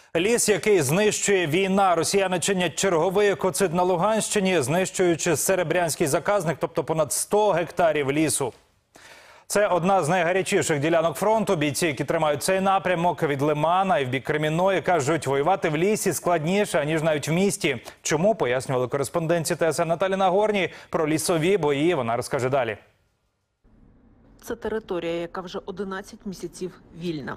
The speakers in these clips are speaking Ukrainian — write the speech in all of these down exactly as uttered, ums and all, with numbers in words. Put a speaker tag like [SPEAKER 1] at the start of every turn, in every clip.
[SPEAKER 1] Ліс, який знищує війна. Росіяни чинять черговий екоцид на Луганщині, знищуючи серебрянський заказник, тобто понад сто гектарів лісу. Це одна з найгарячіших ділянок фронту. Бійці, які тримають цей напрямок від Лимана і в бік Кремінної, кажуть, воювати в лісі складніше, ніж навіть в місті. Чому, пояснювали кореспонденті ТСН Наталі Нагорній. Про лісові бої вона розкаже далі.
[SPEAKER 2] Це територія, яка вже одинадцять місяців вільна.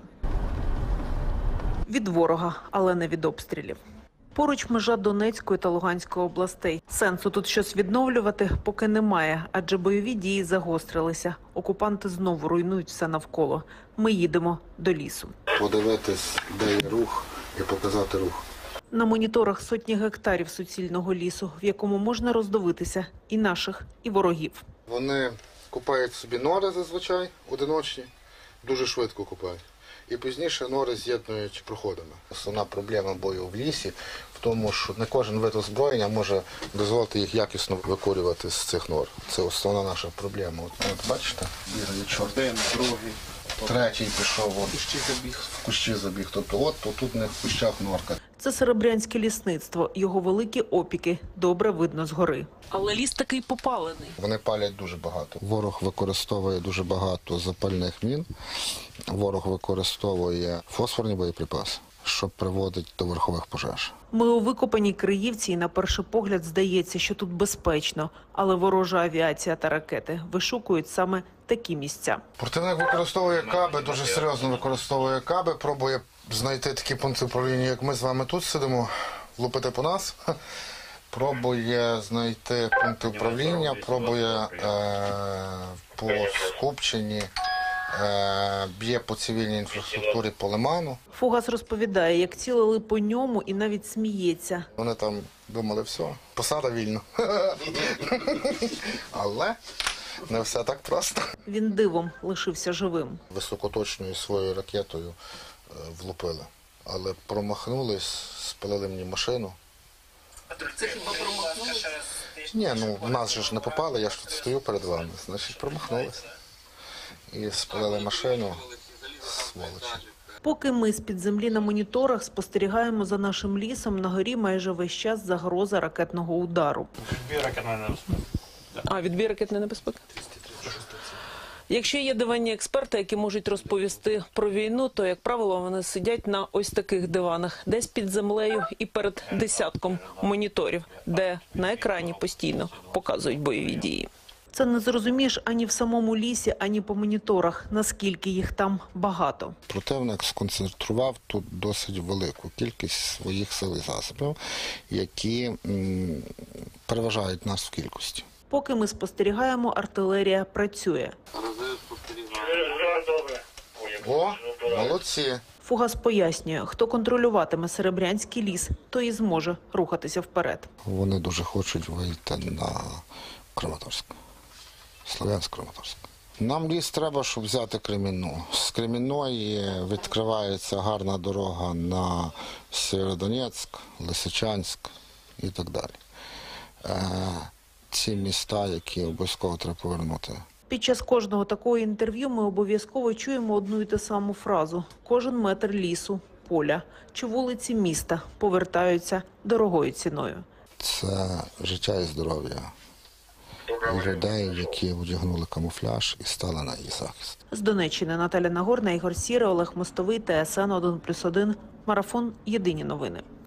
[SPEAKER 2] Від ворога, але не від обстрілів. Поруч межа Донецької та Луганської областей. Сенсу тут щось відновлювати поки немає, адже бойові дії загострилися. Окупанти знову руйнують все навколо. Ми їдемо до лісу.
[SPEAKER 3] Подивитись, де є рух, і показати рух.
[SPEAKER 2] На моніторах сотні гектарів суцільного лісу, в якому можна роздивитися і наших, і ворогів.
[SPEAKER 3] Вони купають собі нори зазвичай, одиночні, дуже швидко купають. І пізніше нори з'єднують проходами. Основна проблема бою в лісі в тому, що не кожен вид озброєння може дозволити їх якісно викорювати з цих нор. Це основна наша проблема. От, от бачите, бігає чорт. Один, другий, третій пішов, от, в кущі забіг. В кущі забіг. Тобто от тут не в кущах норка.
[SPEAKER 2] Це серебрянське лісництво. Його великі опіки добре видно згори. Але ліс такий попалений.
[SPEAKER 3] Вони палять дуже багато. Ворог використовує дуже багато запальних мін. Ворог використовує фосфорні боєприпаси, що приводить до верхових пожеж.
[SPEAKER 2] Ми у викопаній Криївці, і на перший погляд здається, що тут безпечно. Але ворожа авіація та ракети вишукують саме такі місця.
[SPEAKER 3] Противник використовує каби, дуже серйозно використовує каби, пробує знайти такі пункти управління, як ми з вами тут сидимо, влупити по нас. Пробує знайти пункти управління, пробує е, по скупченні, е, б'є по цивільній інфраструктурі по Лиману.
[SPEAKER 2] Фугас розповідає, як цілили по ньому і навіть сміється.
[SPEAKER 3] Вони там думали, все, посада вільна. Але не все так просто. Він
[SPEAKER 2] дивом лишився живим.
[SPEAKER 3] Високоточною своєю ракетою е, влупили, але промахнулись, спалили мені машину.
[SPEAKER 2] Це хіба промахнулися?
[SPEAKER 3] Ні, ну в нас же ж не попали, я ж тут стою перед вами, значить промахнулися. І спалили машину, сволочі.
[SPEAKER 2] Поки ми з-під землі на моніторах спостерігаємо за нашим лісом, на горі майже весь час загроза ракетного удару.
[SPEAKER 4] Відбій ракетної небезпеки.
[SPEAKER 2] А, відбій ракетної небезпеки? Якщо є диванні експерти, які можуть розповісти про війну, то, як правило, вони сидять на ось таких диванах, десь під землею і перед десятком моніторів, де на екрані постійно показують бойові дії. Це не зрозумієш ані в самому лісі, ані по моніторах, наскільки їх там багато.
[SPEAKER 3] Противник сконцентрував тут досить велику кількість своїх сил і засобів, які м, переважають нас в кількості.
[SPEAKER 2] Поки ми спостерігаємо, артилерія працює.
[SPEAKER 3] О, молодці!
[SPEAKER 2] Фугас пояснює, хто контролюватиме серебрянський ліс, той і зможе рухатися вперед.
[SPEAKER 3] Вони дуже хочуть вийти на Краматорськ, Слов'янськ-Краматорськ. Нам ліс треба, щоб взяти Кремінну. З Кремінної відкривається гарна дорога на Сєвєродонецьк, Лисичанськ і так далі. Ці міста, які обов'язково треба повернути.
[SPEAKER 2] Під час кожного такого інтерв'ю ми обов'язково чуємо одну і ту саму фразу. Кожен метр лісу, поля чи вулиці міста повертаються дорогою ціною.
[SPEAKER 3] Це життя і здоров'я людей, які одягнули камуфляж і стали на її захист.
[SPEAKER 2] З Донеччини Наталя Нагорна, Ігор Сіра, Олег Мостовий, ТСН один плюс один, Марафон. Єдині новини.